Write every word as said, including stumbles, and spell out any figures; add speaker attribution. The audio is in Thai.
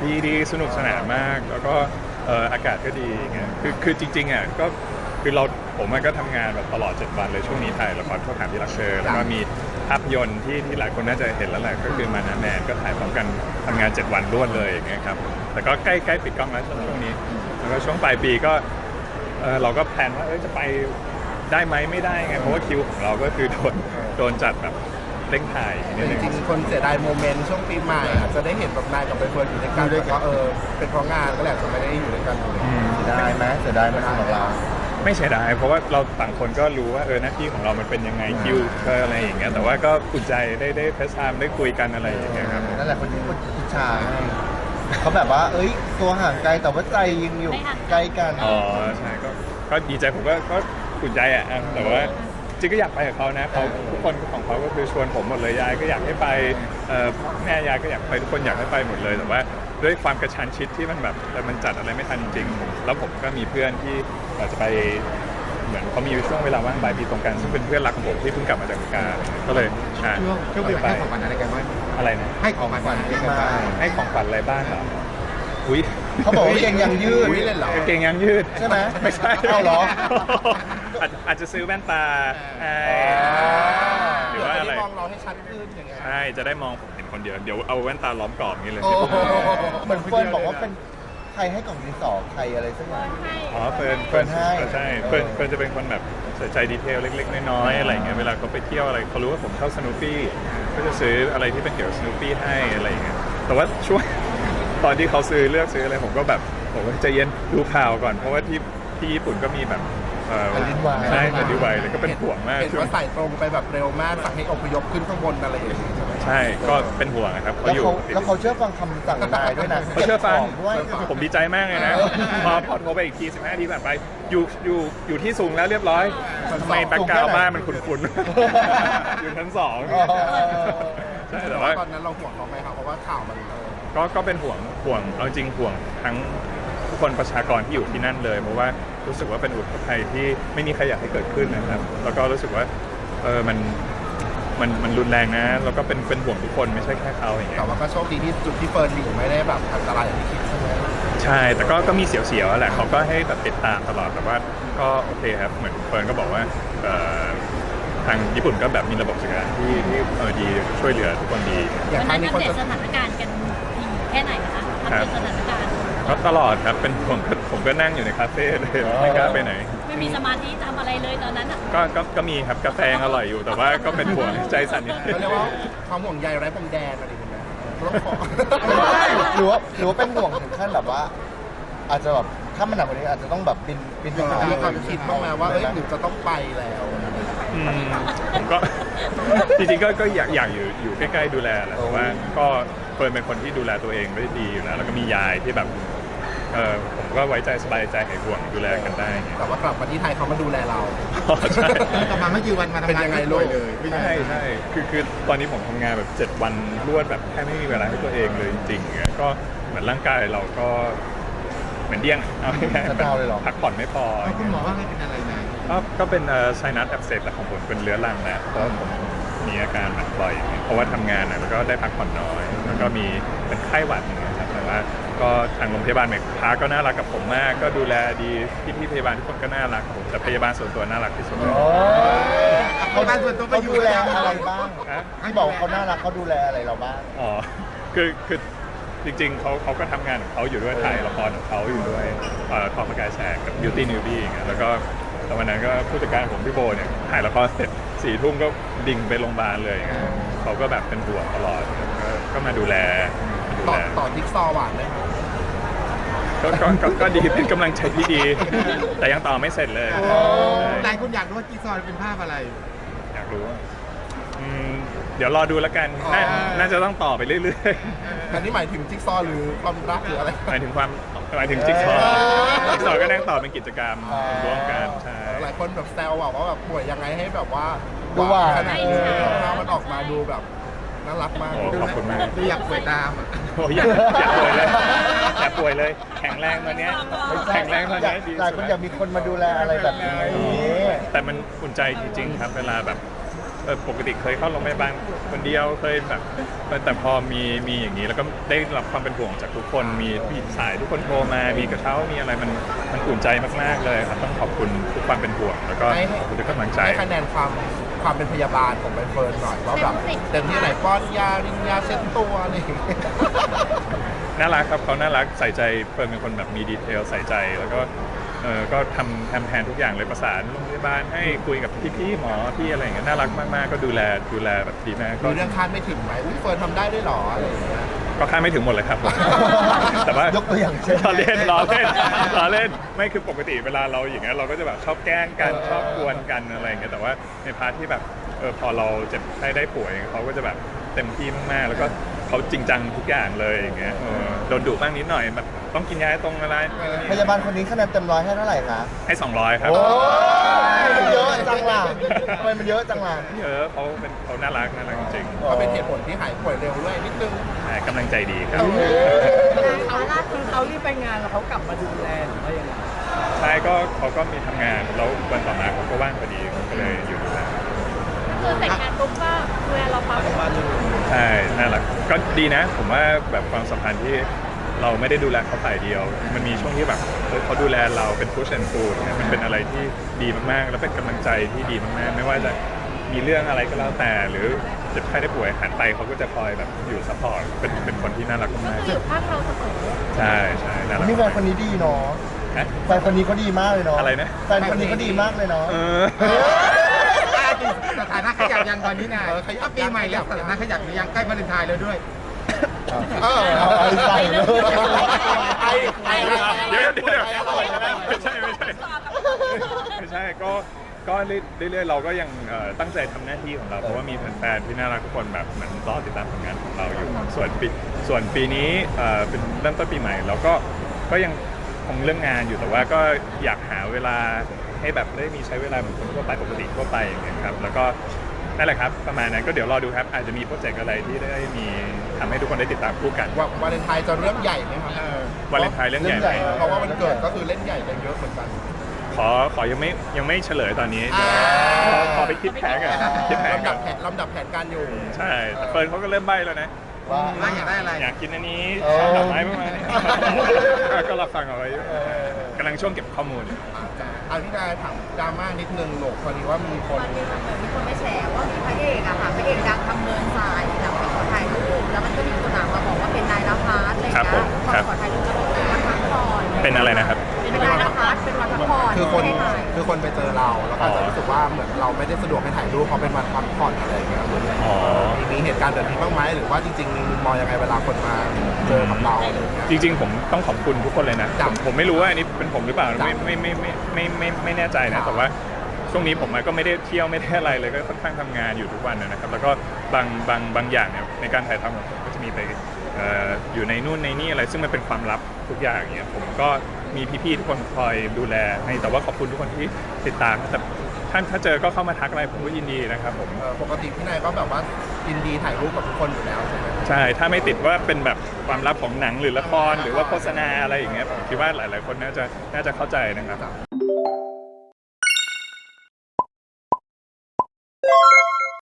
Speaker 1: ดีดีสนุกสนานมากแล้วก็เอ่ออากาศก็ดีเงี้ยคือคือจริงๆอ่ะก็คือเราผมมันก็ทำงานแบบตลอดเจ็ดวันเลยช่วงนี้ถ่ายละครข้าวถามที่รักเธอแล้วก็มีภาพยนตร์ที่ที่หลายคนน่าจะเห็นแล้วแหละก็คือมานาแมนก็ถ่ายพร้อมกันทำงานเจ็ดวันรวดเลยอย่างเงี้ยครับแต่ก็ใกล้ใกล้ปิดกล้องแล้วช่วงนี้แล้วก็ช่วงปลายปีก็เออเราก็แพลนว่าเออจะไปได้ไหมไม่ได้ไงเพราะว่าคิวของเราก็คือโดนโดนจัดแบบเร่งถ่ายนิดนึง
Speaker 2: จริงๆคนเสียดายโมเมนต์ช่วงปีใหม่อาจจะได้เห็นแบบนายกับใบเฟิร์นอยู่ด้วยกันแต่ก็เออเป็นเพราะงานก็แหละจะไม่ได้อยู่ด้วยกันเลย
Speaker 3: เสียดายไหมเสียดายไหมของเรา
Speaker 1: ไม่เสียดายเพราะว่าเราต่างคนก็รู้ว่าเออหน้าที่ของเรามันเป็นยังไงคิวเอออะไรอย่างเงี้ยแต่ว่าก็อุ่นใจได้ได้เฟซไทม์ได้คุยกันอะไรอย่างเงี้ยครับ
Speaker 3: นั่นแหละคนที่คนอิจฉาเขาแบบว่า เอ้ยตัวห่างไกลแต่ว่าใจยังอยู่ใกล้กัน
Speaker 1: อ๋อใช่ก็ก็ดีใจผมก็ก็อุ่นใจอ่ะแต่ว่าจริงก็อยากไปกับเขานะเขาทุกคนของเขาก็คือชวนผมหมดเลยยายก็อยากให้ไปแม่ยายก็อยากไปทุกคนอยากให้ไปหมดเลยแต่ว่าด้วยความกระชั้นชิดที่มันแบบมันจัดอะไรไม่ทันจริงแล้วผมก็มีเพื่อนที่จะไปเหมือนเขามีช่วงเวลาว่างบ่ายปีตรงกันซึ่งเป็นเพื่อนรักของผมที่เพิ่งกลับมาจากอเมริกาก็เลยอ่า
Speaker 4: ช่วงปีใหม่ให้ของขวัญอะไรกันบ้าง
Speaker 1: อะไรนะ
Speaker 4: ให้ของขวัญอะไรกันบ้าง
Speaker 1: ให้ของขวัญอะไรบ้างเหรออุ้ย
Speaker 3: เขาบอกว่าเก่งยังยืด
Speaker 2: อุ๊ยเล่นเหรอ
Speaker 1: เก่งยังยืด
Speaker 3: ใช่ไหม
Speaker 1: ไม่ใช่
Speaker 3: เอาเหรอ
Speaker 1: อาจอาจจะซื้อแว่นตาให้หรือว่าอะไร
Speaker 2: มองเราให้ชัดขึ้นอย่างเงี้ย
Speaker 1: ใช่จะได้มองผมเห็นคนเดียวเดี๋ยวเอาแว่นตาล้อมกรอบอย่างนี้เลย
Speaker 2: โอ้โห
Speaker 3: เหมือนเฟิร์นบอกว่าเป็นใครให้กล่องดินสอใครอะไรสักอย่าง
Speaker 1: อ๋อเฟิร์น
Speaker 3: เฟิร์นให้
Speaker 1: ใช่เฟิร์นเฟิร์นจะเป็นคนแบบใส่ใจดีเทลเล็กๆน้อยๆอะไรอย่างเงี้ยเวลาเขาไปเที่ยวอะไรเขารู้ว่าผมชอบสนุปปี้ก็จะซื้ออะไรที่เป็นเกี่ยวกับสนุปปี้ให้อะไรอย่างเงี้ยแต่ว่าช่วง ตอนที่เขาซื้อเลือกซื้ออะไรผมก็แบบผมก็ใจเย็นดูข่าวก่อนเพราะว่าที่ที่ญี่ปุ่นก็มีแบบเอ่อ
Speaker 3: แผ่นดินไหว
Speaker 1: ใช่แผ่นดินไหวเลยก็เป็นห่วงมาก
Speaker 2: เห็น
Speaker 1: ช่วง
Speaker 2: ว่าใส่ตรงไปแบบเร็วมากสั่งให้อพยพขึ้นข้างบนอะไรอย่างเงี้ยใช่ไหม
Speaker 1: ใช่ก็เป็นห่วงนะครับเขา
Speaker 3: แล้ว
Speaker 1: อยู่
Speaker 3: เขา
Speaker 1: ติด
Speaker 3: แล้วเขาเชื่อฟังคำสั่งนายด้วยนะ
Speaker 1: เขาเชื่อฟัง
Speaker 3: ก็บขด้วย
Speaker 1: ผมดีใจมากเลยนะ
Speaker 3: เออ
Speaker 1: พอพอโทรไปอีกทีสิบห้าทีผ่านไปอยู่อยู่อยู่ที่สูงแล้วเรียบร้อยทำไมแบ็คกราวด์บ้านมันคุ้นๆ อยู่ชั้นสอง
Speaker 3: อ๋อ
Speaker 1: ใช่แต่ว่า
Speaker 2: ตอนนั้นเราห่วงเขาไหมครับเพราะว่าข่าวมันเออ
Speaker 1: ก็ก็เป็นห่วงห่วงเอาจริงห่วงทั้งทุกคนประชากรที่อยู่ที่นั่นเลยเพราะว่ารู้สึกว่าเป็นอุทกภัยที่ไม่มีใครอยากให้เกิดขึ้นนะครับแล้วก็รู้สึกว่าเออมันมันมันรุนแรงนะแล้วก็เป็นเป็นห่วงทุกคนไม่ใช่แค่เขาอย่างเงี้
Speaker 2: แต่
Speaker 1: ย
Speaker 2: ว่าก็โชคดีที่จุดที่เฟิร์นอยู่ไม่ได้แบบอันตรายอย่างที่คิดใช่ไหม
Speaker 1: ใช่แต่ก็ก็มีเสียวๆแหละเขาก็ให้แบบติดตามตลอดแต่ว่าก็โอเคครับเหมือนเฟิร์นก็บอกว่าเอ่อทางญี่ปุ่นก็แบบมีระบบจัดการที่ที่เออดีช่วยเหลือทุกคนดี
Speaker 2: อย่าง
Speaker 5: วัน
Speaker 2: ครั้
Speaker 5: นั้
Speaker 2: ง
Speaker 5: น
Speaker 2: นี้
Speaker 5: อั
Speaker 2: คนจะ
Speaker 5: ปเดตสถานการณ์กันแค่ไหนนะคะอัปเดตสถานการณ์
Speaker 1: ก็ตลอดครับเป็นผมก็ผมก็นั่งอยู่ในคาเฟ่เลยไม่กล้าไปไหน
Speaker 5: ไม่มีสมาธิทำอะไรเลยตอนนั้นอ่ะ
Speaker 1: ก็ก็ก็มีครับกาแฟยังอร่อยอยู่แต่ว่าก็เป็นห่วงใจสั่นนิดนึง
Speaker 2: เขาเรียกว่าความห่วงใยไร้พรมแดนอะไรอย่างเงี้ยต้องขอ
Speaker 3: หรือว่าหรือว่าเป็นห่วงถึงขั้นแบบว่า อาจจะแบบถ้ามันหนักกว่านี้อาจจะต้องแบบบินบินไปหา
Speaker 2: มีความคิดบ้างไหมว่าเอ้ยหรือจะต้องไปแล้ว
Speaker 1: อืมผมก็ จริงๆก็ก็อยากอยากอยู่อยู่ใกล้ๆดูแลแหละแต่ว่าก็เฟิร์นเป็นคนที่ดูแลตัวเองได้ดีอยู่แล้วแล้วก็มียายที่แบบเออผมก็ไว้ใจสบายใจหายห่วงดูแลกันได้ไง
Speaker 2: แต่ว่ากลับมาที่ไทยเขามาดูแลเรา
Speaker 1: อ๋อใช่
Speaker 4: กลับมาไม่กี่วันมาทำ
Speaker 2: เป็น
Speaker 4: งาน
Speaker 2: ยังไง
Speaker 4: ก็
Speaker 2: ลู
Speaker 4: ป่
Speaker 2: ก
Speaker 4: วยเลยเป็นยัง
Speaker 1: ใช่
Speaker 4: ไง
Speaker 1: ใช่คือคือตอนนี้ผมทำงานแบบเจ็ดวันรวดแบบแทบไม่มีเวลาให้ตัวเองเลยจริงๆอย่างเงี้ยก็เหมือนร่างกายเราก็เหมือนเดี้ยงเอาง่ายๆ
Speaker 3: จะดาวเลยเหรอ
Speaker 1: พักผ่อนไม่พอ
Speaker 4: เอาคุณหมอว่าไงเป็นอะไรนะ
Speaker 1: ก็ก็เป็นไซนัสอักเสบแหละของผมเป็นเรื้อรังแหละเพราะว่าผมมีอาการแบบบ่อยอย่างเงี้ยเพราะว่าทำงานนะแล้วก็ได้พักผ่อนน้อยแล้วก็มีเป็นไข้หวัดอย่างเงี้ยครับแต่ว่าก็ทางโรงพยาบาลเมกพาก็น่ารักกับผมมาก ก็ดูแลดีพี่พี่พยาบาลทุกคนก็น่ารักผมแต่พยาบาลส่วนตัวน่ารักที่สุดเลย
Speaker 3: โอ้ย
Speaker 4: เขาบ้านส่วนตัวไป
Speaker 3: เขา
Speaker 4: อยู่
Speaker 3: ดูแล
Speaker 4: แล้ว
Speaker 3: อะไรบ้าง
Speaker 1: ฮะ
Speaker 3: ที่บอกว่าเขาน่ารักเขาดูแลอะไรเราบ้าง
Speaker 1: อ๋อคือคือจริงๆเขาเขาก็ทำงานของเขาอยู่ด้วยถ่ายละครของเขาอยู่ด้วยเอ่อทอมกายแชร์กับ Beauty Newbie อย่างเงี้ยแล้วก็แล้ววันนั้นก็ผู้จัดการผมพี่โบเนี่ยถ่ายละครเสร็จสี่ทุ่มก็ดิ่งไปโรงพยาบาลเลยอย่างเงี้ยเขาก็แบบเป็นห่วงตลอดก็ก็มาดูแลมาดู
Speaker 2: ต่อ
Speaker 1: แล
Speaker 2: ต่อทิกซอว์หวานเลย
Speaker 1: ก็ก็ก็ก็ดีเป็นกำลังใจที่ดี แต่ยังต่อไม่เสร็จเลย
Speaker 4: ห
Speaker 1: ใช่
Speaker 4: ลายคนอยากรู้ว่ากีซอยเป็นภาพอะไร
Speaker 1: อยากรู้ว่าอืมเดี๋ยวรอดูแล้วกันน่า
Speaker 2: อ๋อ
Speaker 1: น่าจะต้องต่อไปเรื่อย
Speaker 2: อันนี้หมายถึงจิ๊กซอว์หรือความรักหรืออะไร
Speaker 1: ๆหมายถึงความหมายถึงจิ๊กซอว์จิ๊กซอว์ก็นั่งต่อเป็นกิจกรรมร่วมกันใช่
Speaker 2: หลายคนแบบแซวอะว่าแบบป่วยยังไงให้แบบว่า
Speaker 3: ดูหวาน
Speaker 2: ขนาดนี้ภาพมันออกมาดูแบบน่ารักมาก
Speaker 1: โอ้ขอบคุณมาก
Speaker 4: ดูอยากป่วยตามอ่ะ
Speaker 1: โอ้ยอยากอยากป่วยเลยอยากป่วยเลย แข็งแรงตอนเนี้ยแข็งแรงตอน
Speaker 3: อยาก
Speaker 1: เนี้ยดี
Speaker 3: หลายคนอยากมีคนมาดูแลอะไรแบบนี้
Speaker 1: แต่มันอุ่นใจจริงๆครับ เวลาแบบผเออปกติเคยเข้าโรงพยาบาลคนเดียวเคยแบบแต่พอมีมีอย่างนี้แล้วก็ได้รับความเป็นห่วงจากทุกคนมีพี่สายทุกคนโทรมามีกระเช้ามีอะไรมันมันอุ่นใจมากๆเลยครับต้องขอบคุณทุกความเป็นห่วงแล้วก็ขอบคุณทุกกำลังใจ
Speaker 2: ให้คะแนนความความเป็นพยาบาลของใบเฟิร์นหน่อยว่าแบบเต็มที่ไหนป้อนยารินยาเช็ดตัวอะไรอย่างเงี้ย
Speaker 1: น่ารักครับเขาน่ารักใส่ใจเฟิร์นเป็นคนแบบมีดีเทลใส่ใจแล้วก็เออก็ทำทำแทนทุกอย่างเลยประสานโรงพยาบาลให้คุยกับพี่ๆหมอพี่อะไรอย่างเงี้ยน่ารักมากๆก็ดูแลดูแลแบบดีมากก็
Speaker 2: มีเรื่องคาดไม่ถึงไหมอุ๊ยเฟิร์นทำได้ด้วยเหรออะไรอย่างเงี้ย
Speaker 1: ก็คาดไม่ถึงหมดเลยครับ แต่ว่าย
Speaker 3: กตัวอย่างเช่น
Speaker 1: ล้อเล่นล้อเล่นล้อเล่นไม่คือปกติเวลาเราอย่างเงี้ยเราก็จะแบบชอบแกล้งกันชอบกวนกันอะไรอย่างเงี้ยแต่ว่าในพาร์ทที่แบบเออพอเราเจ็บไข้ได้ป่วยเขาก็จะแบบเต็มที่มากๆแล้วก็เขาจริงจังทุกอย่างเลยอย่างเงี้ยเออโดนดุบ้างนิดหน่อยแบบต้องกินยาตรงอะไร
Speaker 3: พยาบาลคนนี้คะแนนเต็มร้อยให้เท่าไหร่คะ
Speaker 1: ให้สองร้อยครับ
Speaker 3: โอ้ยมันเยอะจังล่ะทำไมมันเยอะจังล่ะ
Speaker 1: เยอะเขาเป็นเขาน่ารักน่ารักจริง
Speaker 2: ก็เป็นเหตุผลที่หายป่วยเร็วด้วยนิดนึง
Speaker 1: ๆใช่กำลังใจดีครับ
Speaker 6: เขาล่าคือเขารีบไปงานแล้วเขากลับมาดูแลหรือว่ายังไง
Speaker 1: ใช่ก็เขาก็มีทำงานแล้ววันต่อมาเขาก็ว่างพอดีก็เลยอยู่ดูแล
Speaker 5: คือแต่งงานปุ๊บก็ดูแลเราปั๊บ
Speaker 1: ใช่น่ารักก็ดีนะ ผมว่าแบบความสัมพันธ์ที่เราไม่ได้ดูแลเขาฝ่ายเดียว มันมีช่วงที่แบบเออเขาดูแลเราเป็น push and pull เนี่ยมันเป็นอะไรที่ดีมากๆ แล้วเป็นกำลังใจที่ดีมากๆ ไม่ว่าจะมีเรื่องอะไรก็แล้วแต่ หรือเจ็บไข้ได้ป่วยหันไปเขาก็จะคอยแบบอยู่ซัพพอร์ตเป็นเป็นคนที่น่ารัก
Speaker 5: ก็
Speaker 1: มาก
Speaker 5: คืออยู่ข้างเราเสมอ
Speaker 1: ๆใช่ใช่น่ารัก
Speaker 3: นี่แฟนคนนี้ดีเนาะ
Speaker 1: ฮะ
Speaker 3: แฟนคนนี้เขาดีมากเลยเนาะ
Speaker 1: อะไรนะ
Speaker 3: แฟนคนนี้เขาดีมากเลยเนาะ
Speaker 1: เออ
Speaker 4: สถานะขยับยังตอนนี้นาย
Speaker 2: เออขยับ
Speaker 4: ถ้าปีใหม่แล้วสถานะขยับหรือยังใกล้วาเลนไทน์แล้วด้วย
Speaker 2: เออ
Speaker 3: เอาไอ้ใส่เลย
Speaker 2: ไอ้ไอ้
Speaker 1: เดี๋ยวเดี๋ยวเดี๋ยวไม่ใช่ไม่ใช่ไม่ใช่ก็ก็เรื่อยๆเราก็ยังเอ่อตั้งใจทำหน้าที่ของเราเพราะว่ามีแฟนๆที่น่ารักทุกคนแบบเหมือนรอติดตามผลงานของเราอยู่ส่วนปีส่วนปีนี้เอ่อเป็นเริ่มต้นปีใหม่เราก็ก็ยังคงเรื่องงานอยู่แต่ว่าก็อยากหาเวลาให้แบบได้มีใช้เวลาเหมือนคนทั่วไปปกติทั่วไปอย่างเงี้ยครับแล้วก็นั่นแหละครับประมาณนั้นก็เดี๋ยวรอดูครับอาจจะมีโปรเจกต์อะไรที่ได้มีทำให้ทุกคนได้ติดตามคู่กัน
Speaker 2: ว่าวาเลนไทน์จะเรื่องใหญ่ไหมครับ
Speaker 1: วาเลนไทน์เรื่องใหญ่ไหม
Speaker 2: เพราะว่าวันเกิดก็คือเล่นใหญ่กันเยอะเหมือนกัน
Speaker 1: ขอขอยังไม่ยังไม่เฉลยตอนนี้
Speaker 2: อ่า
Speaker 1: ขอขอไปคิดแผนกันคิดแผน
Speaker 2: ลำ
Speaker 1: กั
Speaker 2: ดั
Speaker 1: น
Speaker 2: บแผนลำดับแผนการอยู่
Speaker 1: ใช่แต่เฟิร์นเขาก็เริ่มใบ้แล้วนะ
Speaker 3: ว่า
Speaker 4: ว่าอยากได้อะไร
Speaker 1: อยากกินอันนี้
Speaker 3: เออ
Speaker 1: ดอกไม้ประมาณนี้ ก็รับฟังเอาไว้อยู่กำลังช่วงเก็บข้อมูลอยู่
Speaker 2: เอาที่นายถามดราม่านิดนึงหลกพอดีว่ามีคน
Speaker 7: มันมีเหมือนมีคนไปแฉว่ามีพระเอกอะค่ะพระเอกดังทำเนินทรายหลังไปขอถ่ายรูปแล้วมันก็มีคนหนามาบอกว่าเป็นนายนภัสอะไรอย่าง
Speaker 1: ครับผ
Speaker 7: เงี้
Speaker 1: ม
Speaker 7: ยขอ
Speaker 1: ครับ
Speaker 7: ขอถ่ายรูปแล้วบอกเป็นวันพักผ่อน
Speaker 1: เป็นอะไรนะครับ
Speaker 7: เป็นนายนภัสเป็นวันพักผ่อน
Speaker 2: คือคน
Speaker 7: ไม่ได้ถ่าย
Speaker 2: คือคนไปเจอเราแล้วก็อาจจะรู้สึกว่าเหมือนเราไม่ได้สะดวกไปถ่ายรูปเพราะเป็นวันพักผ่อนอะไรอย่างเงี้ยเหมือน
Speaker 1: อ๋อ
Speaker 2: มีเหตุการณ์แบบนี้บ้างไหมหรือว่าจริงๆมีมุมมองยังไงเวลาคนมาเจอกับเราอะไรอย่างเงี้ย
Speaker 1: จริงๆผมต้องขอบคุณทุกคนเลยนะ
Speaker 2: ครั
Speaker 1: ผ
Speaker 2: บ
Speaker 1: มผมไม่รู้ว่าอันนี้เป็นผมหรือเปล่า
Speaker 2: ครับ
Speaker 1: ไม่ไม่ไม่ไม่ไม่ไม่ไม่แน่ใจ
Speaker 2: ครั
Speaker 1: นะ
Speaker 2: บ
Speaker 1: แต่ว่าช่วงนี้ผมก็ไม่ได้เที่ยวไม่ได้อะไรเลยก็ค่อนข้างทำงานอยู่ทุกวันนะครับ แล้วก็บางบางบางอย่างเนี่ยในการถ่ายทำของผมก็จะมีไปเอ่ออยู่ในนู่นในนี่อะไรซึ่งมันเป็นความลับทุกอย่างเนี่ยผมก็มีพี่ๆทุกคนคอยดูแลให้แต่ว่าขอบคุณทุกคนที่ติดตามแต่ท่านถ้าเจอก็เข้ามาทักอะไรผมก็ยินดีนะครับผม
Speaker 2: เอ่อปกติพี่นายก็แบบว่ายินดีถ่ายรูปกับทุกคนอยู่แล้วใช่ไหม
Speaker 1: ใช่ ถ้าไม่ติดว่าเป็นแบบความลับของหนังหรือละครหรือว่าโฆษณาอะไรอย่างเงี้ยผมคิดว่าหลาย ๆ คนน่าจะน่าจะเข้าใจนะครับ